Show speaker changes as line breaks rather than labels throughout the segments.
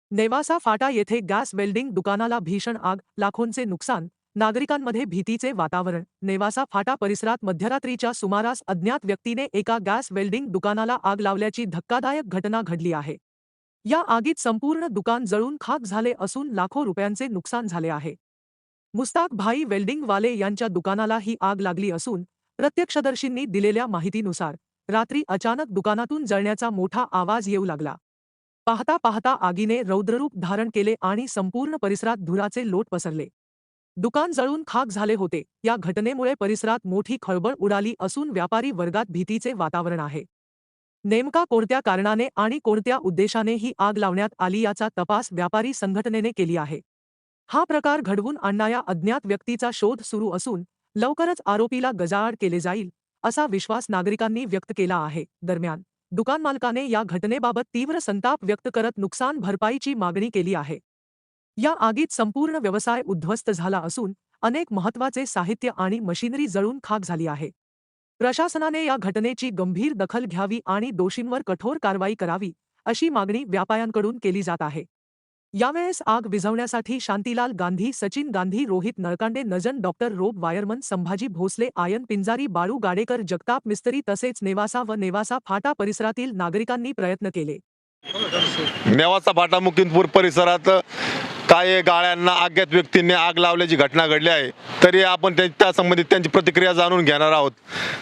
नेवासा फाटा येथे gas welding दुकानाला भीषण आग, लाखोंचे नुकसान, नागरिकांमध्ये भीतीचे वातावरण. नेवासा फाटा परिसरात मध्यरात्रीच्या सुमारास अज्ञात व्यक्तीने एका गॅस वेल्डिंग दुकानाला आग लावल्याची धक्कादायक घटना घडली आहे. या आगीत संपूर्ण दुकान जळून खाक झाले असून लाखो रुपयांचे नुकसान झाले आहे. मुस्ताक भाई वेल्डिंगवाले यांच्या दुकानाला ही आग लागली असून प्रत्यक्षदर्शींनी दिलेल्या माहितीनुसार रात्री अचानक दुकानातून जळण्याचा मोठा आवाज येऊ लागला. पाहता पाहता आगीने रौद्ररूप धारण केले आणि संपूर्ण परिसरात धुराचे लोट पसरले. दुकान जळून खाक झाले होते. या घटनेमुळे परिसरात मोठी खळबळ उडाली असून व्यापारी वर्गात भीतीचे वातावरण आहे. नेमका कोणत्या कारणाने आणि कोणत्या उद्देशाने ही आग लावण्यात आली याचा तपास व्यापारी संघटनेने केली आहे. हा प्रकार घडवून आणणाऱ्या अज्ञात व्यक्तीचा शोध सुरू असून लवकरच आरोपीला गजाआड केले जाईल असा विश्वास नागरिकांनी व्यक्त केला आहे. दरम्यान दुकान मालकाने या घटनेबाबत तीव्र संताप व्यक्त करत नुकसान भरपाईची मागणी केली आहे. या आगीत संपूर्ण व्यवसाय उद्ध्वस्त झाला असून अनेक महत्त्वाचे साहित्य आणि मशिनरी जळून खाक झाली आहे. प्रशासनाने या घटनेची गंभीर दखल घ्यावी आणि दोषींवर कठोर कारवाई करावी अशी मागणी व्यापाऱ्यांकडून केली जात आहे. यावेळेस आग विझवण्यासाठी शांतीलाल गांधी, सचिन गांधी, रोहित नळकांडे, नजन, डॉक्टर रोब वायरमन, संभाजी भोसले, आयन पिंजारी, बाळू गाडेकर, जगताप मिस्त्री तसेच नेवासा व नेवासा फाटा परिसरातील नागरिकांनी प्रयत्न केले.
नेवासा फाटा मुकिंदपूर परिसरात काही गाळ्यांना अज्ञात व्यक्तींनी आग लावल्याची घटना घडली आहे. तरी आपण त्या संबंधित त्यांची प्रतिक्रिया जाणून घेणार आहोत.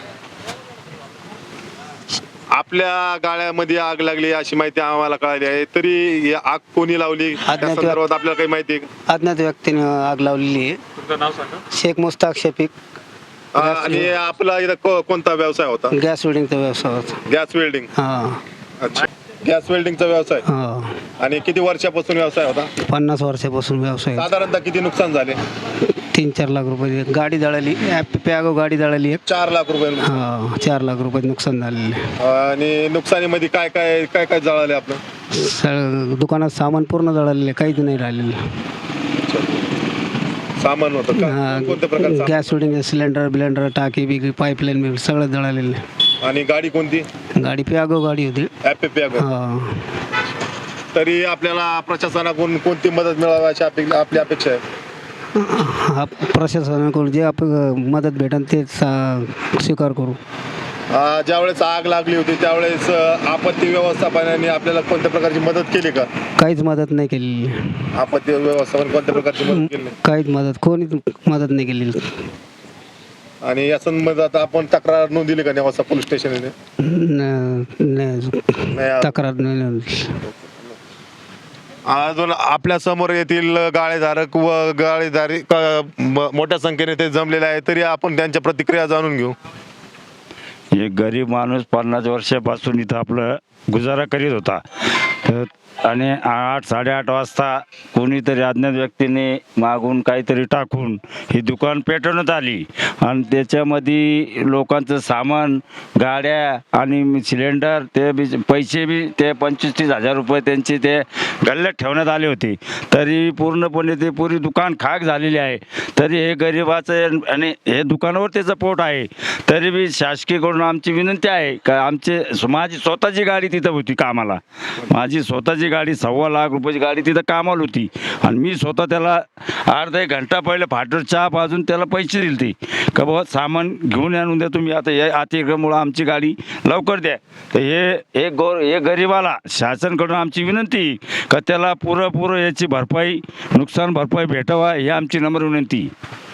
आपल्या गाळ्यामध्ये आग लागली अशी माहिती आम्हाला कळाली आहे. तरी ही आग कोणी लावली त्या संदर्भात आपल्याला काही माहिती आहे का?
अज्ञात व्यक्तीने आग लावलेली आहे.
तुमचं नाव सांगा.
शेख मुस्ताक शफीक.
आणि आपला इथं कोणता व्यवसाय होता?
गॅस वेल्डिंगचा व्यवसाय होता.
Gas welding.
हा.
अच्छा, गॅस वेल्डिंगचा व्यवसाय.
हा.
आणि किती वर्षापासून व्यवसाय होता?
50 वर्षापासून व्यवसाय.
साधारणतः किती नुकसान झाले?
3-4 लाख रुपये. गाडी जळाली, पॅगो गाडी जळाली.
4 लाख रुपये.
हा, 4 लाख रुपये नुकसान झालेले.
आणि नुकसानीमध्ये काय काय काय काय जळाले आपलं?
दुकानात सामान पूर्ण जळालेले, काहीच नाही राहिलेलं.
सामान होतं का? कोणत्या प्रकारचं?
गॅस वेल्डिंग सिलेंडर, बिलेंडर, टाकी बिकी, पाईपलाईन सगळं जळालेलं.
आणि गाडी कोणती?
गाडी पॅगो गाडी होती.
हा. तरी आपल्याला प्रशासनाकडून कोणती मदत मिळावी अशी आपली अपेक्षा आहे?
हा, प्रशासनाकडून जे आपण मदत भेटेल तेच स्वीकार करू.
ज्यावेळेस आग लागली होती त्यावेळेस आपत्ती व्यवस्थापनाने आपल्याला कोणत्या प्रकारची मदत केली का?
काहीच मदत नाही केली.
आपत्ती व्यवस्थापन कोणत्या प्रकारची मदत केली?
काहीच कोणीच मदत नाही केली.
आणि या संबंधात आता आपण तक्रार नोंदवली का नेवासा पोलीस स्टेशनने?
तक्रार नाही.
अजून आपल्या समोर येथील गाळेधारक व गाळेधारी मोठ्या संख्येने ते जमलेले आहे. तरी आपण त्यांच्या प्रतिक्रिया जाणून घेऊ.
एक गरीब माणूस 50 वर्षापासून इथं आपलं गुजारा करीत होता. आणि 8-8:30 वाजता कोणीतरी अज्ञात व्यक्तीने मागून काहीतरी टाकून ही दुकान पेटवण्यात आली. आणि त्याच्यामध्ये लोकांचं सामान, गाड्या आणि सिलेंडर, ते पैसे बी ते 25-30 हजार रुपये त्यांचे ते गल्ल्यात ठेवण्यात आले होते. तरी पूर्णपणे ते पुरी दुकान खाक झालेली आहे. तरी हे गरिबाचं आणि हे दुकानावर त्याचं पोट आहे. तरी बी शासकीयकडून आमची विनंती आहे का माझी स्वतःची गाडी तिथं होती कामाला. माझी स्वतःची गाडी 1.25 लाख रुपयाची गाडी तिथं कामाला होती. आणि मी स्वतः त्याला अर्धा 1 घंटा पहिले फाटर चहा पाजून त्याला पैसे दिले ते का बाबा सामान घेऊन आणून द्या तुम्ही, आता या अतिक्रमणामुळं आमची गाडी लवकर द्या. तर हे गरिबाला शासनाकडून आमची विनंती का त्याला पुरेपूर याची भरपाई, नुकसान भरपाई भेटावा ही आमची नम्र विनंती.